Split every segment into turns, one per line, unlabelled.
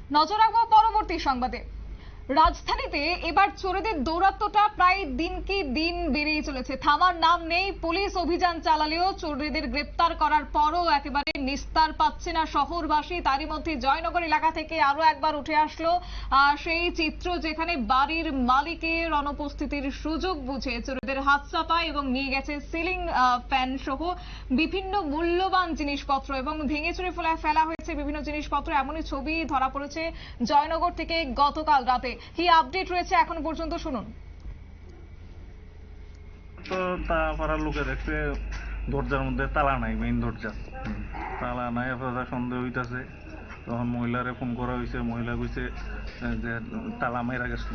নজর রাখবো পরবর্তী সংবাদে। রাজধানীতে এবার চোরেদের দৌরাত্ম্যটা প্রায় দিনকে দিন বেড়েই চলেছে, থামার নাম নেই। পুলিশ অভিযান চালালেও চোরেদের গ্রেপ্তার করার পরও একেবারে নিস্তার পাচ্ছে না শহরবাসী। তারই মধ্যে জয়নগর এলাকা থেকে আরো একবার উঠে আসলো সেই চিত্র, যেখানে বাড়ির মালিকের অনুপস্থিতির সুযোগ বুঝে চোরেদের হাত চাপায় এবং নিয়ে গেছে সিলিং ফ্যান সহ বিভিন্ন মূল্যবান জিনিসপত্র এবং ভেঙে চুরে ফেলা হয়েছে বিভিন্ন জিনিসপত্র। এমনই ছবি ধরা পড়েছে জয়নগর থেকে গতকাল রাতে। কি আপডেট রয়েছে এখন পর্যন্ত শুনুন।
তো তা পাড়ার লোকে দেখছে দরজার মধ্যে তালা নাই, মেইন দরজা তালা নাই। আপনারা সন্দেহ হইতাছে, তখন মহিলারে ফোন করা হয়েছে। মহিলা কইছে যে তালা মাইরা গেছিল,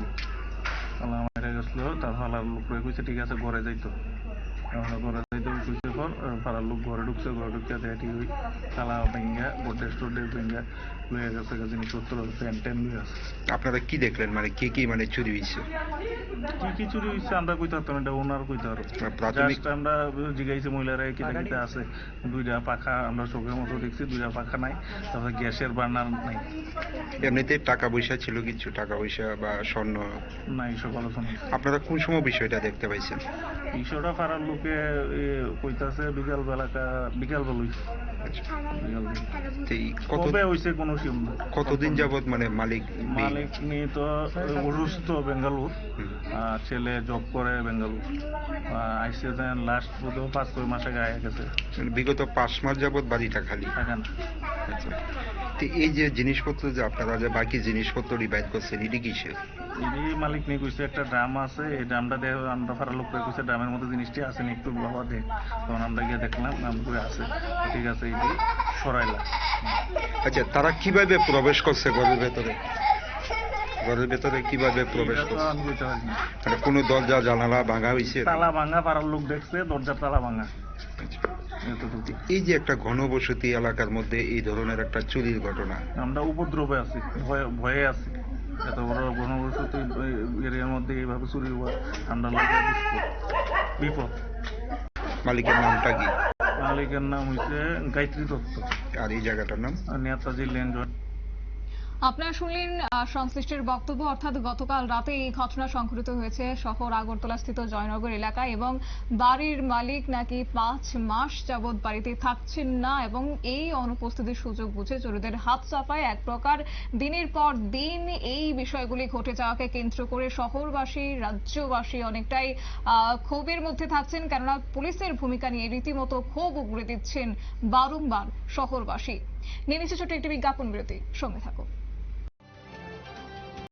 তার পাড়ার লোকরে কইছে ঠিক আছে ঘরে যাইতো। ঘরে যাইতে কইছে পর পাড়ার লোক ঘরে ঢুকছে, ঘরে ঢুকতে দেখি ওই তালা ভেঙ্গা গোড্রেজ টোড্রেজ ভেঙ্গা লয়ে গেছে জিনিসপত্র, ফ্যান ট্যান লয়ে আছে।
আপনারা কি দেখলেন, মানে কি কি মানে চুরি হয়েছে?
কি চুরি হয়েছে আমরা কইতে পারতাম, এটা ওনার কইতে পারো।
প্রাথমিক
আমরা জিগাইছি মহিলারা কিতে আছে। দুইটা পাখা আমরা চোখের মতো দেখছি, দুইটা পাখা নাই, তারপরে গ্যাসের বার্নার নাই।
এমনিতে টাকা পয়সা ছিল কিছু, টাকা পয়সা বা স্বর্ণ
নাই, সকল শোনা।
আপনারা কোন সময় বিষয়টা দেখতে পাইছেন?
বিষয়টা পাড়ার লোকে কইতাছে বিকাল বেলা কবে হয়েছে কোনো সিম না।
কতদিন যাবত মানে মালিক
নিয়ে তো অসুস্থ বেঙ্গালুর, ছেলে জব করে বেঙ্গালুর, আইসে দেন লাস্ট বোধ 5-6 মাস আগে আয়া গেছে।
বিগত 5 মাস যাবত বাড়িটা খালি
থাকে না।
আচ্ছা, তো এই যে জিনিসপত্র যে আপনারা যে বাকি জিনিসপত্র রিভাইভ করছেন, এটি কিসের?
এটি মালিক নিয়ে কইছে একটা ড্রাম আছে, এই ড্রামটা দিয়ে আমরা ফারার লোক কইছে ড্রামের মধ্যে জিনিসটি আছে নি, একটু বাবা দেখ। তখন আমরা গিয়ে দেখলাম নাম করে আছে, ঠিক আছে এটি সরাইলা।
আচ্ছা, তারা কিভাবে প্রবেশ করছে ঘরের ভেতরে? ঘরের ভেতরে কিভাবে প্রবেশ করছে? মানে কোনো দরজা জানালা ভাঙা হয়েছে?
তালা ভাঙা, পাড়ার লোক দেখছে দরজার তালা ভাঙা।
এই যে একটা ঘনবসতি এলাকার মধ্যে এই ধরনের একটা চুরির ঘটনা,
আমরা উপদ্রবে আছি, ভয়ে আছি। এত বড় ঘনবসতি এরিয়ার মধ্যে এইভাবে চুরি হওয়া আমরা লাগে বিপদ।
মালিকের নামটা কি?
মালিকের নাম হইছে গায়ত্রী দত্ত।
আর এই জায়গাটার নাম
নেতাজি লেন।
আপনারা শুনলেন সংশ্লিষ্টের বক্তব্য, অর্থাৎ গতকাল রাতে এই ঘটনা সংঘটিত হয়েছে শহর আগরতলা স্থিত জয়নগর এলাকায় এবং বাড়ির মালিক নাকি 5 মাস যাবৎ বাড়িতে থাকছেন না এবং এই অনুপস্থিতির সুযোগ বুঝে চোরেদের হাত চাপায়। এক প্রকার দিনের পর দিন এই বিষয়গুলি ঘটে যাওয়াকে কেন্দ্র করে শহরবাসী, রাজ্যবাসী অনেকটাই ক্ষোভের মধ্যে থাকছেন, কেননা পুলিশের ভূমিকা নিয়ে রীতিমতো ক্ষোভ উগড়ে দিচ্ছেন বারংবার শহরবাসী। নিয়ে নিচ্ছে ছোট্ট একটি বিজ্ঞাপন বিরতি, সঙ্গে থাকুন।